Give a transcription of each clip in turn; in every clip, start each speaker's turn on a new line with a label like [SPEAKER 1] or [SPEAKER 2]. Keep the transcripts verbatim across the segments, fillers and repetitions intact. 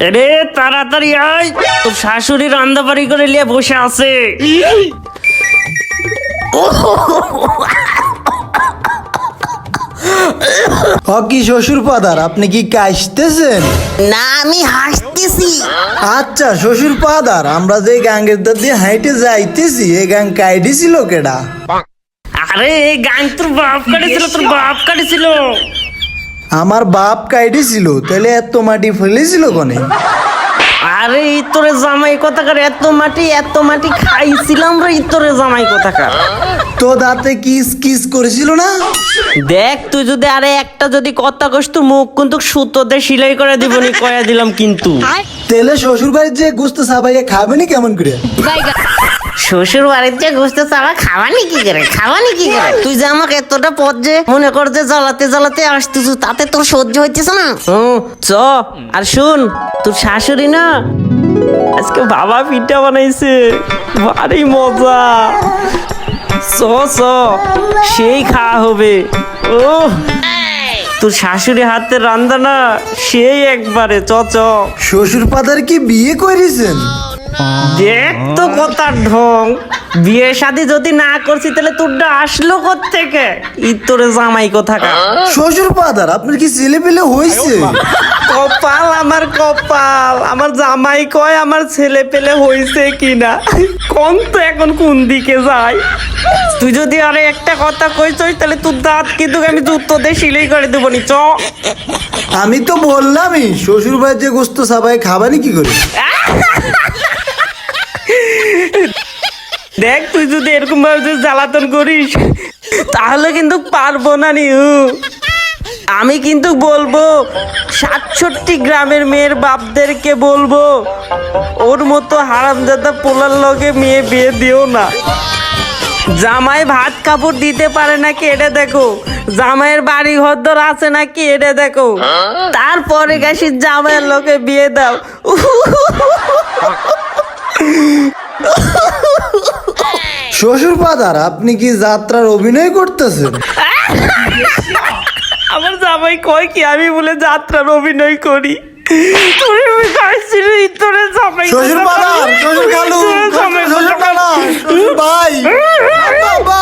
[SPEAKER 1] রে তাড়াতাড়ি আয়, তোর শাশুড়ি রান্না বাড়ি করে নিয়ে বসে আছে।
[SPEAKER 2] হকি শ্বশুর পাদার, আপনি কি কাশতেছেন?
[SPEAKER 3] না, আমি হাসতেছি।
[SPEAKER 2] আচ্ছা শ্বশুর পাদার, আমরা যে গাঙ্গের ধার দিয়ে হাইটে যাইতেছি, এই গাং কাইডি ছিল কেডা?
[SPEAKER 1] আরে এই গান তোর বাপ কাটেছিল, তোর বাপ কাটেছিল।
[SPEAKER 2] আমার বাপ কাইডি ছিল, তাহলে এত মাটি ফেলেছিল কোনে?
[SPEAKER 1] আরে ইতরে জামাই কথাকার, এত মাটি এত মাটি খাইছিলাম রে ইতরে জামাই কথাকার।
[SPEAKER 2] তো দাঁতে কিস কিস করেছিল না?
[SPEAKER 1] দেখ তুই যদি আরে একটা যদি কথা কস, তোর মুখ কিন্তু সুতোতে সিলাই করে দিবনি, কয়া দিলাম কিন্তু।
[SPEAKER 2] তেলে শ্বশুর বাড়ির যে গুস্ত সাবাইয়া খাবেনি কেমন করে?
[SPEAKER 3] শ্বশুর বাড়ির যে গোস্ত চাওয়া খাওয়ানি কি করে, খাওয়ানি কি করে? তুই যে আমাকে এতটা পথ যে মনে কর যে জ্বালাতে জ্বালাতে আসতেছ, তাতে তোর সহ্য হইতেছে না?
[SPEAKER 1] ও চ, আর শুন, তোর শাশুড়ি না আজকে বাবা পিঠা বানাইছে, ভারী মজা। চ চ, সেই খাওয়া হবে। ও তোর শাশুড়ি হাতের রান্না না সেই একবারে। চ চ।
[SPEAKER 2] শ্বশুর পাদার কি বিয়ে করেছেন?
[SPEAKER 1] দেখ তো কথার ঢং, বিয়ে শাদী যদি না করছি তাহলে তোরটা আসলো কোত্থেকে? ইতরে জামাই কোথাকার।
[SPEAKER 2] শ্বশুর পাদার, আপনার কি ছেলে পেলে হয়েছে?
[SPEAKER 1] কপাল আমার কপাল, আমার জামাই কয় আমার ছেলে পেলে হইছে কিনা, কোন তো এখন কোন দিকে যায়। তুই যদি আরে একটা কথা কইছ তাহলে তোর দাঁত কিন্তু আমি জুতো দিয়ে সিলাই করে দেবো নি। চ।
[SPEAKER 2] আমি তো বললামই, শ্বশুর বাড়ির যে গোস্ত সাবাই খাবানি কি করে?
[SPEAKER 1] দেখ তুই যদি এরকম ভাবে যদি জ্বালাতন করিস তাহলে কিন্তু পারবো না নি। আমি কিন্তু বলবো সাতষট্টি গ্রামের মেয়ের বাপদেরকে বলবো, ওর মতো হারামজাদা পোলার লগে মেয়ে বিয়ে দিও না। জামাই ভাত কাপড় দিতে পারে নাকি এটা দেখো, জামাইয়ের বাড়ি ঘরদর আছে নাকি এটা দেখো, তারপরে গেছি জামাইয়ের লোকে বিয়ে দাও।
[SPEAKER 2] শ্বশুর পাদার, আপনি কি যাত্রার অভিনয় করতেছেন?
[SPEAKER 1] আমার জামাই কয় কি আমি বলে যাত্রার অভিনয় করি?
[SPEAKER 2] শ্বশুর পাদার, শ্বশুর খালু, শ্বশুর খালা, শ্বশুর ভাই, বাবা।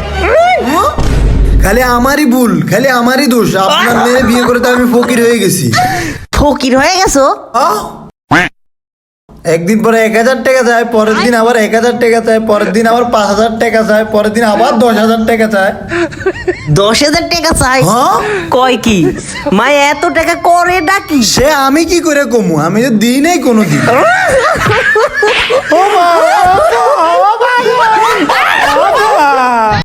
[SPEAKER 2] খালি আমারই ভুল, খালি আমারই দোষ। আপনার মেয়ে বিয়ে করে তো আমি ফকির হয়ে গেছি।
[SPEAKER 3] ফকির হয়ে গেছো?
[SPEAKER 2] আহ? একদিন পরে এক হাজার টাকা চায়, পরের দিন আবার এক হাজার টাকা চায়, পরের দিন আবার পাঁচ হাজার টাকা চায়, পরের দিন আবার দশ হাজার টাকা চায়।
[SPEAKER 3] দশ হাজার টাকা চাই?
[SPEAKER 2] হ্যাঁ?
[SPEAKER 1] কয় কি মা এত টাকা করে ডাকি?
[SPEAKER 2] সে আমি কি করে কমু? আমি তো দিই নাই কোনোদিন।